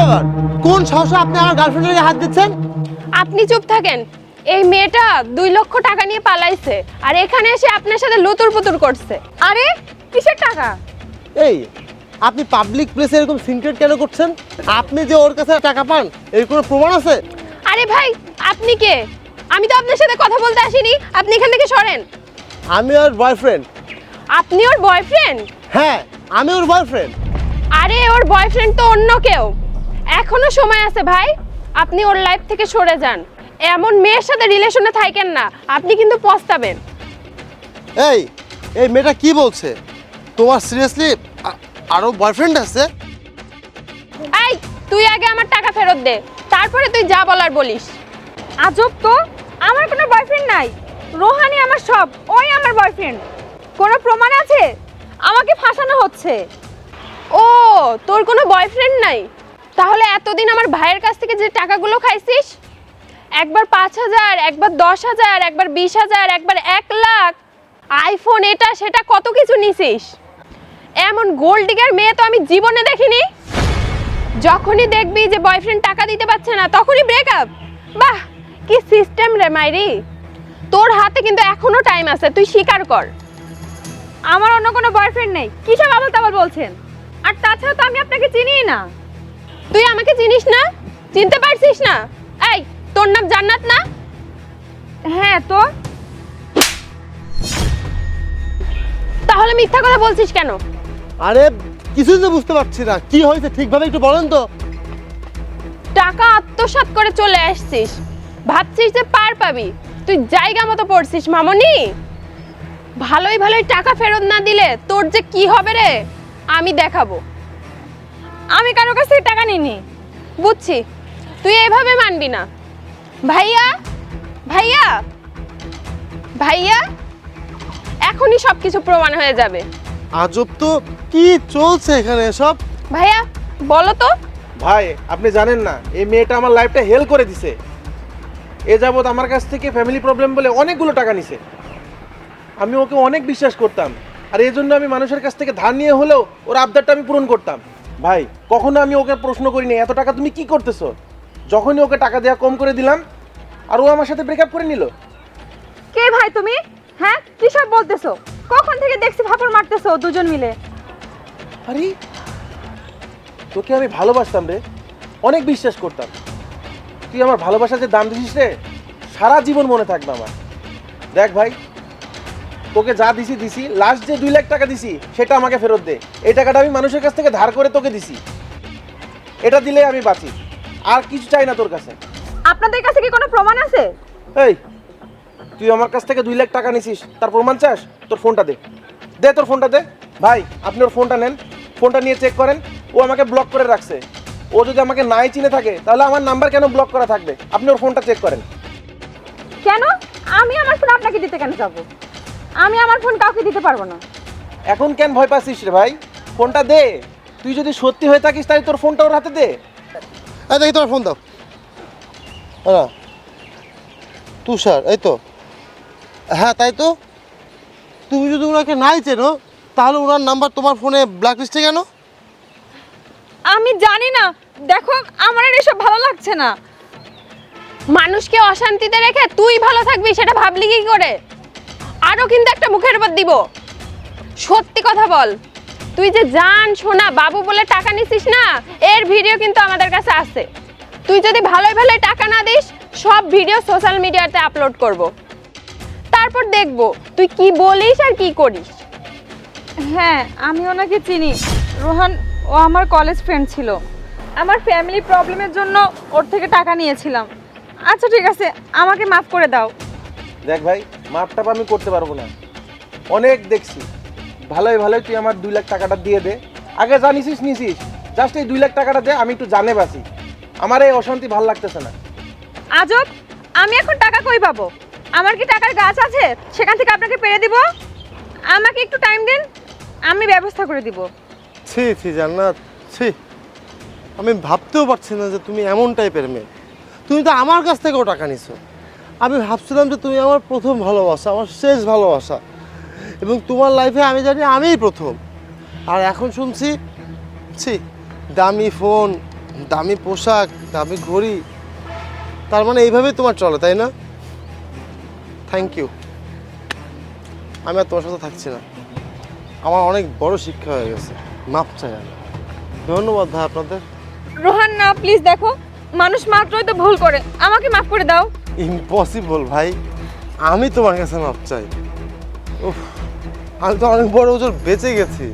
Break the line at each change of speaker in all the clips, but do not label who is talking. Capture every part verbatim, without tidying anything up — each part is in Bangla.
আবার? কোন সাহসে আপনি আমার গার্লফ্রেন্ডের গায়ে হাত দিচ্ছেন?
আপনি চুপ থাকেন। এই মেয়েটা দুই লক্ষ টাকা নিয়ে পালাইছে আর এখানে এসে আপনার সাথে লুতুর পুতুর করছে।
আরে কিসের টাকা?
এই আপনি পাবলিক প্লেসে এরকম সিনক্রেট কেন করছেন? আপনি যে ওর কাছে টাকা পান এর কোনো প্রমাণ আছে?
আরে ভাই আপনি কে? আমি তো আপনার সাথে কথা বলতে আসিনি, আপনি এখান থেকে সরেন।
আমি ওর বয়ফ্রেন্ড।
আপনি ওর বয়ফ্রেন্ড?
হ্যাঁ আমি ওর বয়ফ্রেন্ড।
আরে ওর বয়ফ্রেন্ড তো অন্য কেউ। এখনো সময় আছে ভাই, আপনি ওর লাইফ থেকে সরে যান। এমন মেয়ের সাথে রিলেশনে থাকেন না, আপনি কিন্তু পস্তাবেন।
এই এই মেয়েটা কি বলছে? তোমার সিরিয়াসলি আরো বয়ফ্রেন্ড আছে?
এই তুই আগে আমার টাকা ফেরত দে, তারপরে তুই যা বলার বলিস।
আজব তো, আমার কোনো বয়ফ্রেন্ড নাই। রোহানি আমার সব, ওই আমার বয়ফ্রেন্ড। কোনো প্রমাণ আছে? আমাকে ফাঁসানো হচ্ছে।
ও তোর কোনো বয়ফ্রেন্ড নাই? তাহলে এতদিন আমার ভাইয়ের কাছ থেকে যে টাকাগুলো খাইছিস, একবার পাঁচ হাজার, একবার দশ হাজার, একবার বিশ হাজার, একবার এক লাখ, আইফোন, এটা সেটা কত কিছু নিছিস। এমন গোল্ড ডিগার মেয়ে তো আমি জীবনে দেখিনি। যখনই দেখবি যে বয়ফ্রেন্ড টাকা দিতে পারছে না তখনই ব্রেকআপ। বাহ কি সিস্টেম রে মাইরি। তোর হাতে কিন্তু এখনো টাইম আছে, তুই স্বীকার কর।
আমার অন্য কোনো বয়ফ্রেন্ড নেই। কিসব আবল তাবল বলছেন? আর তাছাড়া তো আমি আপনাকে চিনিই না।
তুই আমাকে চিনিস না? চিনতে পারছিস না? এই তোর নাম জান্নাত না?
হ্যাঁ তো।
তাহলে মিথ্যা কথা বলছিস কেন?
আরে কিছুই তো বুঝতে পারছি না, কি হয়েছে ঠিকভাবে একটু বলেন তো।
টাকা আত্মসাৎ করে চলে আসছিস, ভাবছিস যে পার পাবি। তুই জায়গা মতো পড়ছিস মামনি। ভালোই ভালোই টাকা ফেরত না দিলে তোর যে কি হবে রে আমি দেখাবো।
আমি কারো কাছ থেকে টাকা নিইনি।
বুঝছি, তুই এভাবে মানবি না। ভাইয়া ভাইয়া ভাইয়া এখনই সব কিছু প্রমাণ হয়ে যাবে।
আজব তো, কি চলছে এখানে সব?
ভাইয়া বলো তো।
ভাই আপনি জানেন না, এই মেয়েটা আমার লাইফটা হেল করে দিছে। এ যাবৎ আমার কাছ থেকে ফ্যামিলি প্রবলেম বলে অনেকগুলো টাকা নিছে। আমি ওকে অনেক বিশ্বাস করতাম, আর এই জন্য আমি মানুষের কাছ থেকে ধার নিয়ে হলেও ওর আবদারটা আমি পূরণ করতাম। ভাই কখনো আমি ওকে প্রশ্ন করিনি এত টাকা তুমি কি করতেছো। যখনই ওকে টাকা দেওয়া কম করে দিলাম আর ও আমার সাথে ব্রেকআপ করে নিল।
কে ভাই তুমি? হ্যাঁ কিসব বলতেছো? কখন থেকে দেখছি ফাপড় মারতেছো দুজন মিলে।
আরে তোকে আমি ভালোবাসতাম রে, অনেক বিশ্বাস করতাম। তুই আমার ভালোবাসার যে দাম দিছিস রে, সারা জীবন মনে থাকবে আমার। দেখ ভাই, তোকে যা দিছি দিছি, লাস্ট যে দুই লাখ টাকা দিছি সেটা আমাকে ফেরত দে। এই টাকাটা আমি মানুষের কাছ থেকে ধার করে তোকে দিছি, এটা দিলে আমি বাঁচি, আর কিছু চাই না তোর কাছে।
আপনাদের কাছে কি কোনো প্রমাণ আছে?
এই তুই আমার কাছ থেকে দুই লাখ টাকা নিছিস, তার প্রমাণ চাস? তোর ফোনটা দে, দে তোর ফোনটা দে। ভাই আপনি ওর ফোনটা নেন, ফোনটা নিয়ে চেক করেন। ও আমাকে ব্লক করে রাখছে। ও যদি আমাকে নাই চিনে থাকে তাহলে আমার নাম্বার কেন ব্লক করা থাকবে? আপনি ওর ফোনটা চেক করেন।
কেন? আমি আমার ফোন আপনাকে দিতে কেন যাব? আমি আমার ফোন কাউকে দিতে পারবো না।
এখন কেন ভয় পাচ্ছিস রে ভাই? ফোনটা দে। তুই যদি সত্যি হয়ে থাকিস তাই তোর ফোনটা ওর হাতে দে।
এই দেখি তোমার ফোন দাও। হ্যাঁ তুষার, এই তো। হ্যাঁ তাই তো। তুমি যদি ওনাকে নাই চেনো তাহলে ওনার নাম্বার তোমার ফোনে ব্ল্যাক লিস্টে কেন?
আমি জানি না। দেখো আমার আর এসব ভালো লাগছে না।
মানুষকে অশান্তিতে রেখে তুই ভালো থাকবি সেটা ভাবলি কি করে? আরো কিন্তু একটা মুখের উপর দিব। সত্যি কথা বল, তুই যে জান সোনা বাবু বলে টাকা নিছিস না, এর ভিডিও কিন্তু আমাদের কাছে আছে। তুই যদি ভালোই ভালোই টাকা না দিস, সব ভিডিও সোশ্যাল মিডিয়াতে আপলোড করব। তারপর দেখব তুই কি বলিস আর কি করিস।
হ্যাঁ আমি ওনাকে চিনি। রোহান ও আমার কলেজ ফ্রেন্ড ছিল। আমার ফ্যামিলি প্রবলেমের জন্য ওর থেকে টাকা নিয়েছিলাম। আচ্ছা ঠিক আছে, আমাকে মাফ করে দাও।
দেখ ভাই, মাপটা আমি করতে পারবো না, অনেক দেখছি। ভালোই ভালোই তুই আমার দুই লাখ টাকাটা দিয়ে দে। আগে যা নিছিস নিছিস, জাস্ট এই দুই লাখ টাকাটা দে, আমি একটু জানে বাসি। আমার এই অশান্তি ভাল লাগতেছে না।
আজব, আমি এখন টাকা কই পাবো? আমার কি টাকার গাছ আছে সেখান থেকে আপনাকে পেরে দিব? আমাকে একটু টাইম দিন, আমি ব্যবস্থা করে দিব।
ছি ছি জান্নাত, ছি। আমি ভাবতেও পারছি না যে তুমি এমন টাইপের মেয়ে। তুমি তো আমার কাছ থেকেও টাকা নিছো। আমি ভাবছিলাম যে তুমি আমার প্রথম ভালোবাসা, আমার শেষ ভালোবাসা, এবং তোমার লাইফে আমি জানি আমিই প্রথম। আর এখন শুনছি ছি, দামি ফোন, দামি পোশাক, দামি ঘড়ি, তার মানে এইভাবেই তোমার চলে, তাই না? Thank you. আমি আর তোমার সাথে থাকছি না, আমার অনেক বড় শিক্ষা হয়ে গেছে। মাপ চাই আমি। ধন্যবাদ ভাই আপনাদের।
রোহান না, প্লিজ দেখো, মানুষ মাত্রই তো ভুল করে, আমাকে মাফ করে দাও।
ইম্পসিবল ভাই, আমি তোমার কাছে মাপ চাই। উফ, আমি তো অনেক বড় ওজন বেঁচে গেছি।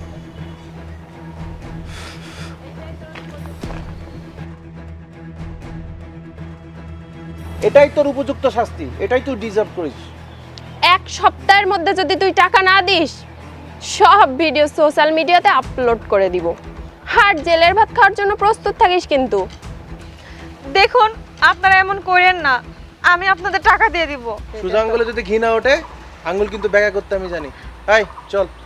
এটাই তোর উপযুক্ত শাস্তি, এটাই তুই ডিজার্ভ করিস।
এক সপ্তাহের মধ্যে যদি তুই টাকা না দিস, সব ভিডিও সোশ্যাল মিডিয়াতে আপলোড করে দিব। আর জেলের ভাত খাওয়ার জন্য প্রস্তুত থাকিস কিন্তু।
দেখুন, আপনারা এমন করেন না, আমি আপনাদের টাকা দিয়ে দিব।
সোজা আঙ্গুলে যদি ঘি না ওঠে, আঙ্গুল কিন্তু ব্যাগা করতে আমি জানি। আয় চল।